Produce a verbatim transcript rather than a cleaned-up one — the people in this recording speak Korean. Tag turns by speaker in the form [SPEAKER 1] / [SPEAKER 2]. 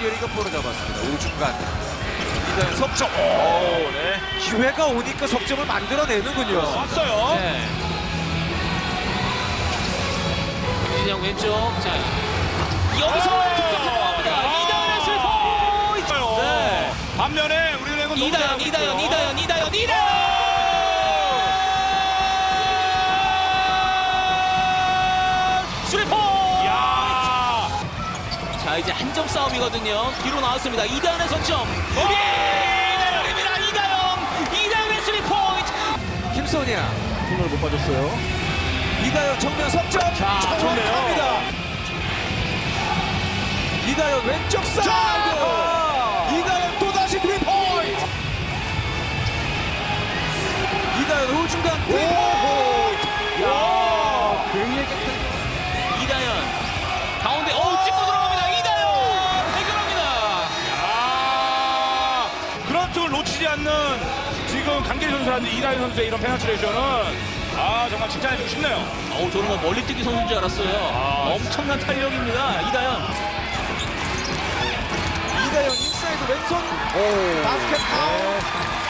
[SPEAKER 1] 김기열이가 볼을 잡았습니다. 우중간 이다현 석점.
[SPEAKER 2] 오, 네.
[SPEAKER 1] 기회가 오니까 석점을 만들어내는군요.
[SPEAKER 2] 왔어요.
[SPEAKER 3] 네. 김진영 왼쪽. 자, 여기서 득점 성공합니다. 이다현의 스리포인트. 네.
[SPEAKER 2] 반면에 우리은행은 너무
[SPEAKER 3] 이다현,
[SPEAKER 2] 잘하고
[SPEAKER 3] 이다현,
[SPEAKER 2] 있고요.
[SPEAKER 3] 이다현, 이다현, 이다현. 스리포인트.
[SPEAKER 2] 야.
[SPEAKER 3] 자, 이제 한 점 싸움이거든요. 뒤로 나왔습니다. 이다현의 석점. 이다현입니다. 이다현. 이다현의 스리포인트.
[SPEAKER 1] 김소니아
[SPEAKER 2] 손을 못 빠졌어요.
[SPEAKER 1] 이다현 정면 석점.
[SPEAKER 3] 자,
[SPEAKER 1] 정확합니다. 이다현 왼쪽 사이드. 이다현 또 다시 스리 포인트. 이다현 우중간 스리 포인트.
[SPEAKER 2] 야.
[SPEAKER 1] 굉장히 깨끗한.
[SPEAKER 3] 이다현. 가운데, 오, 찍고 들어갑니다. 이다현. 해결합니다.
[SPEAKER 2] 아, 그런 쪽을 놓치지 않는 지금 강계리 선수라든지 이다현 선수의 이런 페널티레이션은 아 정말 칭찬해주고 싶네요.
[SPEAKER 3] 어우, 저는 뭐 멀리 뛰기 선수인 줄 알았어요.
[SPEAKER 2] 아.
[SPEAKER 3] 엄청난 탄력입니다. 이다현.
[SPEAKER 1] 이다현 인사이드 왼손 바스켓 파울.